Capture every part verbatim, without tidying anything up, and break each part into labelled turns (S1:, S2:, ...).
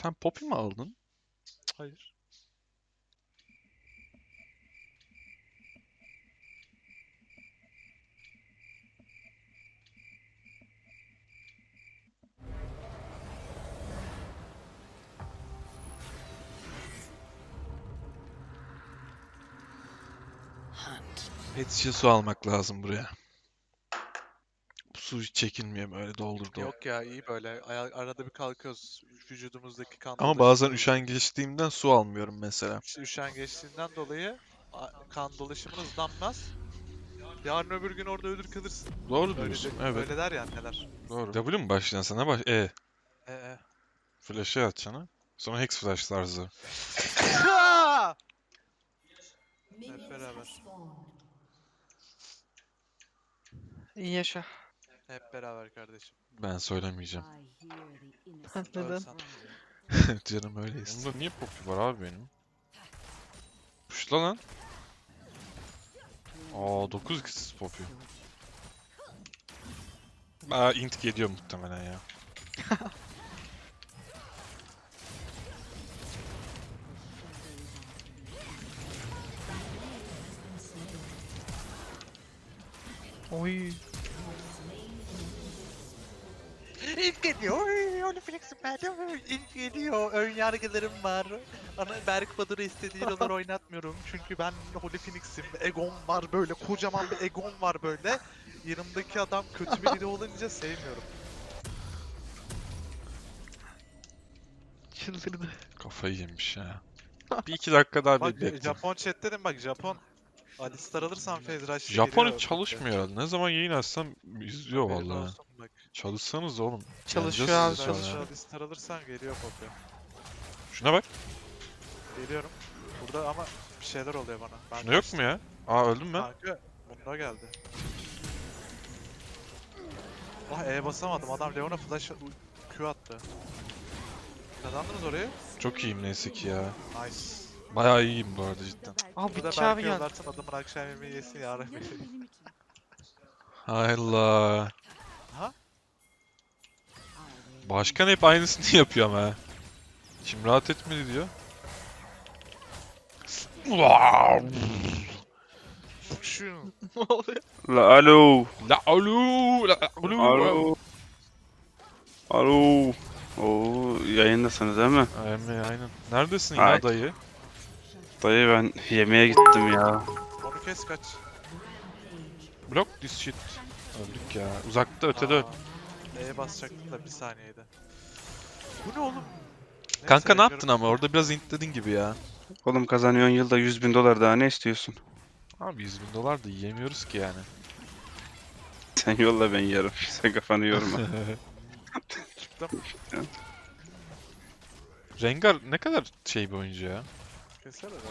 S1: Sen Poppy mi aldın?
S2: Hayır.
S1: Pet şişe su almak lazım buraya. Bu su hiç çekilmiyor, böyle doldur doldur.
S2: Yok ya, iyi böyle. Aya- Arada bir kalkıyoruz. Vücudumuzdaki kan
S1: Ama bazen
S2: dolaşımı
S1: üşengeçliğimden su almıyorum mesela.
S2: üş- üşengeçliğinden dolayı a- kan dolaşımın hızlanmaz. Yarın öbür gün orada ölür kalırsın.
S1: Doğru
S2: Öyle de,
S1: diyorsun. Evet.
S2: öyle der ya anneler.
S1: Doğru. W mu başlayan sana baş... E.
S2: Ee.
S1: Flash'e atacaksın. Sonra Hex Flash tarzı.
S2: Hep beraber.
S3: İyi yaşa.
S2: Hep beraber kardeşim.
S1: Ben söylemeyeceğim.
S3: Neden?
S2: Ölsen.
S1: Canım öyleyse. Bunda niye Poppy var abi benim? Puşla lan. Aa dokuz x Poppy. Aa int geliyor muhtemelen ya.
S3: Oy.
S2: İlk geliyor. Öyle flexim ben İlk geliyor. Ön yargılarım var. Ana Berk Badur'u istediği roller oynatmıyorum. Çünkü ben Holy Phoenix'im. Egon var böyle. Kocaman bir Egon var böyle. Yanımdaki adam kötü biri olunca sevmiyorum.
S3: Çıldırdı.
S1: Kafayı yemiş ya. Bir iki dakika daha
S2: Bak
S1: bir bekle.
S2: Japon chat dedim bak Japon. Alistar alırsan Phase Rush'ta
S1: Japon
S2: geliyor.
S1: hiç çalışmıyor herhalde. Ne zaman yayın açsam izliyor
S2: Haberin
S1: vallahi.
S2: olsun bak.
S1: Çalışsanız oğlum.
S3: Çalışıyor
S1: Yeneceğiz
S3: abi,
S1: sizi sonra.
S2: Phase Alistar alırsan geliyor Poppy.
S1: Şuna bak.
S2: Geliyorum. Burada ama bir şeyler oluyor bana. Ben
S1: Şuna yok
S2: kaçtım.
S1: mu ya? Aa öldüm ben.
S2: Kanka bunda geldi. Ah E'ye basamadım. Adam Leon'a flash Q attı. Kazandınız orayı.
S1: Çok iyiyim neyse ki ya.
S2: Nice.
S1: Bayağı iyiyim bu arada cidden.
S3: Aa
S2: Burada
S3: Bitçi abi
S2: belki
S3: geldi.
S2: yollarsın adamın akşam yemeği yesin yarın.
S1: Hay Allah.
S2: Ha?
S1: Başkan hep aynısını yapıyor ama ha. Şimdi rahat etmedi diyor.
S2: Şu.
S3: Ne oluyor?
S4: La alo.
S1: La alo, la alo.
S4: Alo. Alo. Oo yayındasınız değil mi?
S1: Aynen, aynen. Neredesin
S4: Ay.
S1: ya dayı?
S4: Dayı ben yemeğe gittim ya.
S2: Onu kes kaç.
S1: Block this shit. Öldük ya. Uzakta ötede öl.
S2: Aa, E'ye basacaktım da bir saniyede. Bu ne oğlum? Neyse,
S1: Kanka ne
S2: bekliyorum.
S1: yaptın ama orada biraz intledin gibi ya.
S4: Oğlum kazanıyorsun yılda yüz bin dolar daha ne istiyorsun?
S1: Abi yüz bin dolar da yiyemiyoruz ki yani.
S4: Sen yolla ben yarım. Sen kafanı yorma.
S2: Çıktım.
S1: Rengar ne kadar şey bir oyuncu ya.
S2: Keser herhalde.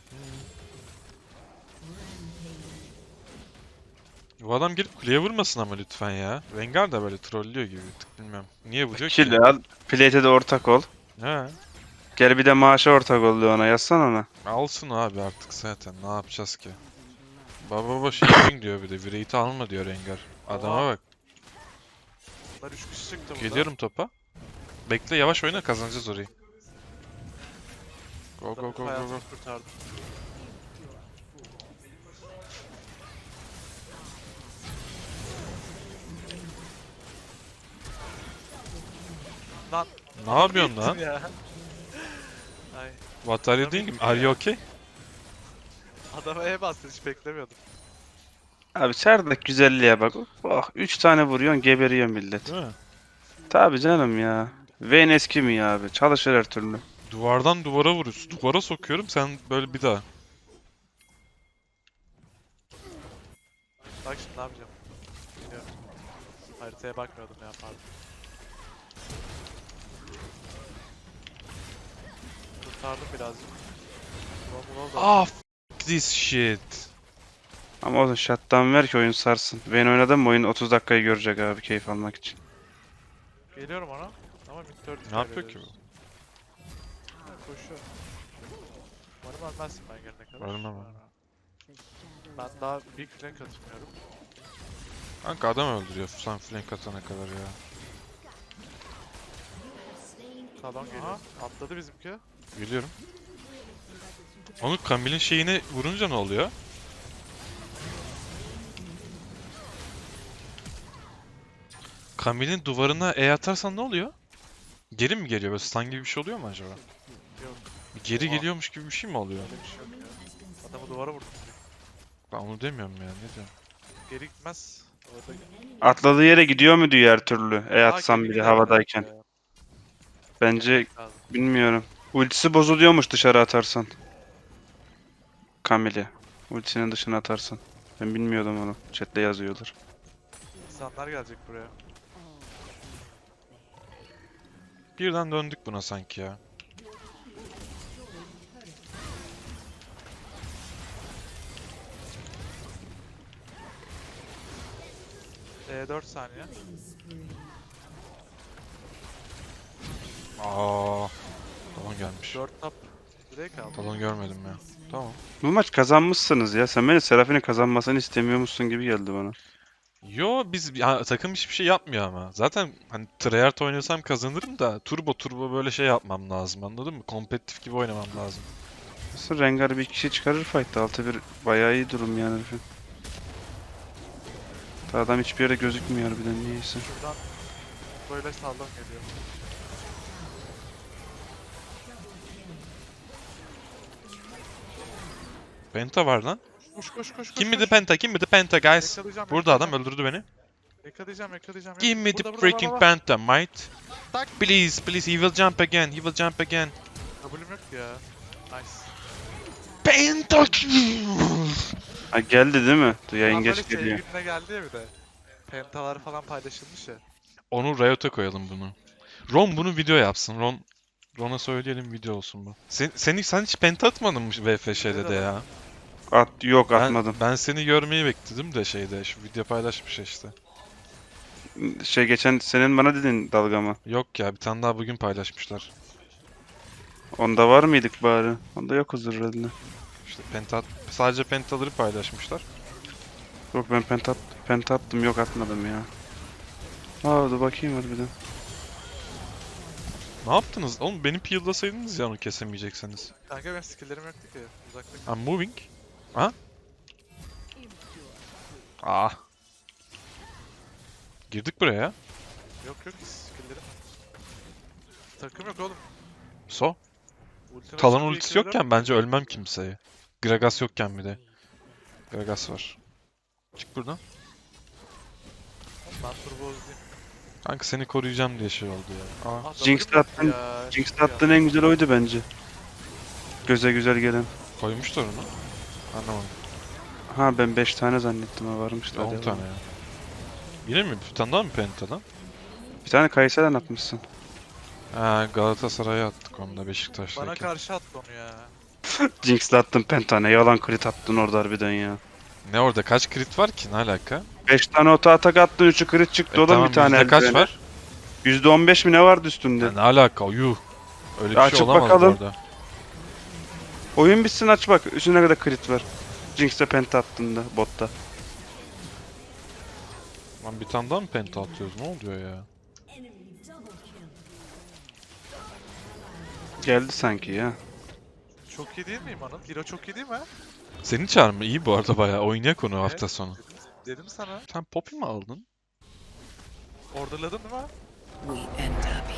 S1: Bu adam gelip kuleye vurmasın ama lütfen ya. Rengar da böyle trollüyor gibi bir tık bilmem. Niye vuruyor ki?
S4: Kill al. Plate'e de ortak ol.
S1: He.
S4: Gel bir de maaşa ortak ol ona yazsan ona.
S1: Alsın abi artık zaten ne yapacağız ki? Baba baba şey diyor bir de Wraith'i alma diyor Rengar. Adama
S2: Oha.
S1: bak.
S2: Bunlar üç kişi çıktı burada.
S1: Geliyorum topa. Bekle yavaş oyna kazanacağız orayı. Go go go go go.
S2: Hayatımı kurtardım. Lan.
S1: Ne yapıyorsun lan?
S2: Ya. Ay.
S1: What are you doing? Are you okay?
S2: Adama E bastı hiç beklemiyordum.
S4: Abi çardak güzelliğe bak. Bak üç tane vuruyorsun geberiyor millet.
S1: Değil mi?
S4: Tabi canım ya. Vayne eski mi ya abi? Çalışır her türlü.
S1: Duvardan duvara vuruyorsun. Duvara sokuyorum sen böyle bir daha.
S2: Bak şimdi ne yapacağım. Biliyorum. Haritaya bakmıyordum ya pardon. Kurtardım birazcık. Ulan ulan da-
S1: Ah f this shit.
S4: Ama o shutdown ver ki oyun sarsın. Vayne oynadın mı oyun otuz dakikayı görecek abi keyif almak için.
S2: Geliyorum ona. Ama mid dört
S1: Ne yapıyor ki bu?
S2: Ha, koşuyor. Umarım ölmezsin ben gelene kadar.
S1: Ölmem abi.
S2: Ben daha big flank atmıyorum.
S1: Kanka adam öldürüyor sen flank atana kadar ya.
S2: Talon geliyor. Atladı bizimki.
S1: Geliyorum. Onu Camille'in şeyine vurunca ne oluyor? Camille'in duvarına E atarsan ne oluyor? Geri mi geliyor? Böyle stun gibi bir şey oluyor mu acaba?
S2: Yok.
S1: Bir geri
S2: Oha.
S1: geliyormuş gibi bir şey mi oluyor?
S2: Öyle bir şey yok ya. Adamı duvara vurdum.
S1: Ben onu demiyorum ya. Ne diyorum?
S2: Geri gitmez. Orada...
S4: Atladığı yere gidiyor mu diyor her türlü. E
S2: Aa,
S4: atsam
S2: geri
S4: bile
S2: gider
S4: havadayken.
S2: ya.
S4: Bence
S2: Lazım.
S4: bilmiyorum. Ultisi bozuluyormuş dışarı atarsan. Camille. Ultisinin dışına atarsan. Ben bilmiyordum onu. Chat'te yazıyorlar.
S2: İnsanlar gelecek buraya.
S1: Birden döndük buna sanki ya.
S2: E dört saniye.
S1: Aa, Talon gelmiş.
S2: dört tap. Direkt aldı.
S1: Talon görmedim ya. Tamam.
S4: Bu maç kazanmışsınız ya. Sen beni Seraphine kazanmasını istemiyormuşsun gibi geldi bana.
S1: Yo biz ya, takım hiçbir şey yapmıyor ama. Zaten hani tryhard oynasam kazanırım da turbo turbo böyle şey yapmam lazım, anladın mı? Kompetitif gibi oynamam lazım.
S4: Nasıl Rengar bir kişi çıkarır fight'ta. altı bir bayağı iyi durum yani herifin. Ta adam hiçbir yere gözükmüyor harbiden niyeyse.
S2: Şuradan böyle sallam geliyor.
S1: Penta var lan.
S2: Koş koş koş koş.
S1: Kim mi
S2: koş.
S1: the penta? Kim mi the penta guys?
S2: Yakalayacağım,
S1: Burada adam
S2: yakalayacağım.
S1: öldürdü beni.
S2: Yakalayacağım yakalayacağım.
S1: Give me the
S2: Burada, burada,
S1: freaking
S2: baba, baba.
S1: penta, mate.
S2: Tak.
S1: Please, please, he will jump again. He will jump again.
S2: W'm yok ya. Nice.
S1: Penta kill!
S4: Ha geldi değil mi? Dur yayın
S2: Ulan böyle
S4: geç geliyor.
S2: sevgiline geldi ya bir de. Pentalar falan paylaşılmış ya.
S1: Onu Riot'a koyalım bunu. Ron bunu video yapsın. Ron Ron'a söyleyelim video olsun bu. Sen, seni, sen hiç penta atmadın mı V F Ş'de de ya?
S4: At yok
S1: Ben,
S4: atmadım.
S1: ben seni görmeyi bekledim de şeyde. Şu video paylaşmış işte.
S4: Şey geçen senin bana dedin dalga mı?
S1: Yok ya, bir tane daha bugün paylaşmışlar.
S4: Onda var mıydık bari? Onda yok huzur herhalde.
S1: İşte penta, sadece pentaları paylaşmışlar.
S4: Yok ben penta, at- penta attım yok atmadım ya. Aa dur bakayım harbiden.
S1: Ne yaptınız? Oğlum beni peel'lasaydınız ya onu kesemeyecekseniz.
S2: Kanka benim skill'lerim yoktu ki. Uzakta.
S1: I'm moving. Aha. Ah. Girdik buraya.
S2: Yok yok skill'lerim. Takım yok oğlum.
S1: So.
S2: Ultime
S1: Talon
S2: çıkıyor,
S1: ultisi
S2: iki veriyorum.
S1: yokken bence ölmem kimseye. Gragas yokken bir de. Gragas var. Çık buradan.
S2: Ben turbo hızlıyım.
S1: Kanka seni koruyacağım diye şey oldu ya. Aa.
S2: Ah,
S4: Jinx'le
S2: W'm yoktu
S4: attın-
S2: ya.
S4: Jinx'te attığın en güzel oydu bence. Göze güzel gelen.
S1: Koymuşlar onu. Anlamadım.
S4: Ha ben beş tane zannettim ha varmış da.
S1: on
S4: devam.
S1: tane ya. Yine mi? Bir tane daha mı pentadan?
S4: Bir tane Kayseri'den atmışsın.
S1: Ha, Galatasaray'a attık onu da
S2: Bana
S1: Beşiktaş'taki.
S2: karşı attı onu ya.
S4: Jinx'le attın pentane. Yalan crit attın orada harbiden ya.
S1: Ne orada kaç crit var ki? Ne alaka?
S4: beş tane oto atak attın. üçü crit çıktı.
S1: E
S4: o da
S1: tamam,
S4: bir tane
S1: yüzde kaç
S4: eldiveni.
S1: var?
S4: yüzde on beş mi ne vardı üstünde?
S1: Ya ne alaka? Yuh. Öyle bir
S4: Açıp
S1: şey olamaz
S4: bakalım.
S1: orada.
S4: Oyun bitsin aç bak. Üstüne kadar crit var. Jinx'te penta attığında botta.
S1: Lan bir tane daha mı penta atıyoruz? Ne oluyor ya?
S4: Geldi sanki ya.
S2: Çok iyi değil miyim Anıl? Hero çok iyi değil mi?
S1: Senin çağrı iyi bu arada bayağı. Oynayak onu hafta sonu.
S2: Dedim, dedim sana.
S1: Sen Poppy mi aldın?
S2: Orderladın değil mi?
S5: We end up